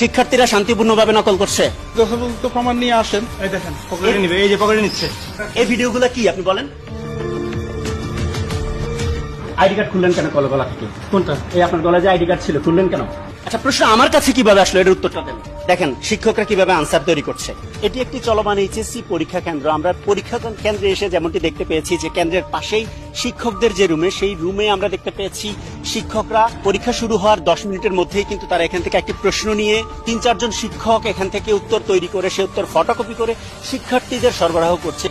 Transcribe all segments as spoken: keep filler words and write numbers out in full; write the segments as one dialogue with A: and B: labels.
A: শিক্ষার্থীরা শান্তিপূর্ণভাবে নকল করছে?
B: যথাযথ প্রমাণ নিয়ে আসেন। এই দেখেন পকেটে নিবে, এই যে পকেটে নিচ্ছে।
A: এই ভিডিওগুলো কি আপনি বলেন? আইডি কার্ড খুললেন কেন কল গলা থেকে?
B: কোনটা?
A: এই আপনার গলায় যে আইডি কার্ড ছিল খুললেন কেন? আচ্ছা, প্রশ্ন আমার কাছে কিভাবে আসলো এর উত্তরটা দেন। দেখেন শিক্ষকরা কিভাবে আনসার তৈরি করছে। এটি একটি চলমান এইচএসসি পরীক্ষা কেন্দ্র। আমরা পরীক্ষা কেন্দ্রে এসে যেমনটি দেখতে পেয়েছি যে কেন্দ্রের পাশেই শিক্ষকদের যে রুমে, সেই রুমে আমরা দেখতে পেয়েছি শিক্ষকরা পরীক্ষা শুরু হওয়ার দশ মিনিটের মধ্যেই কিন্তু তারা এখান থেকে একটি প্রশ্ন নিয়ে তিন চারজন শিক্ষক এখান থেকে উত্তর তৈরি করে সে উত্তর ফটোকপি করে শিক্ষার্থীদের সরবরাহ করছে।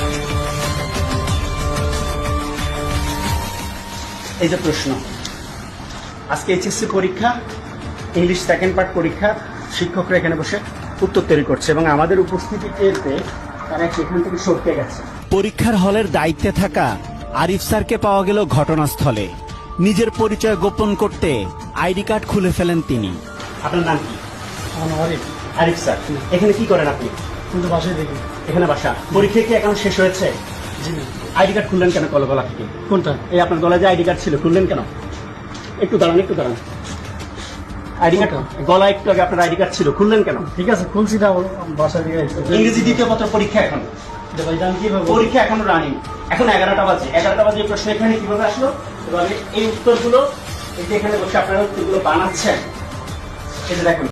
A: এই যে প্রশ্ন, আজকে এইচএসসি পরীক্ষা, ইংলিশ সেকেন্ড পার্ট পরীক্ষা, শিক্ষকরা এখানে বসে উত্তর তৈরি করছে এবং আমাদের উপস্থিতি টের পেয়ে তারা সেখান থেকে সরতে গেছে। পরীক্ষার হলের দায়িত্বে থাকা আরিফ স্যারকে পাওয়া গেল ঘটনাস্থলে। নিজের পরিচয় গোপন করতে আইডি কার্ড খুলে ফেলেন তিনি। আপনার নাম কি?
B: আরিফ।
A: আরিফ স্যার, এখানে কি করেন আপনি?
B: কিন্তু বাসায় দেখি।
A: এখানে বাসা। পরীক্ষা কি এখন শেষ হয়েছে?
B: জি না।
A: আইডি কার্ড খুললেন কেন কল গলা থেকে?
B: কোনটা?
A: এই আপনার গলায় যে আইডি কার্ড ছিল খুললেন কেন? একটু দাঁড়ান, একটু দাঁড়ান। আইডি কার্ড গলা একটু আগে আপনার আইডি কার্ড ছিল খুললেন কেন?
B: ঠিক আছে, খুলছি না, বাসায় দিয়ে
A: ইংরেজি দ্বিতীয় পত্র পরীক্ষা এখন পরীক্ষা এখনো রানিং। এখন এগারোটা বাজে এগারোটা বাজে প্রশ্ন এখানে কিভাবে আসলো? এভাবে এই উত্তরগুলো এই যে এখানে বসে আপনারা উত্তরগুলো বানাচ্ছেন, এটা দেখুন।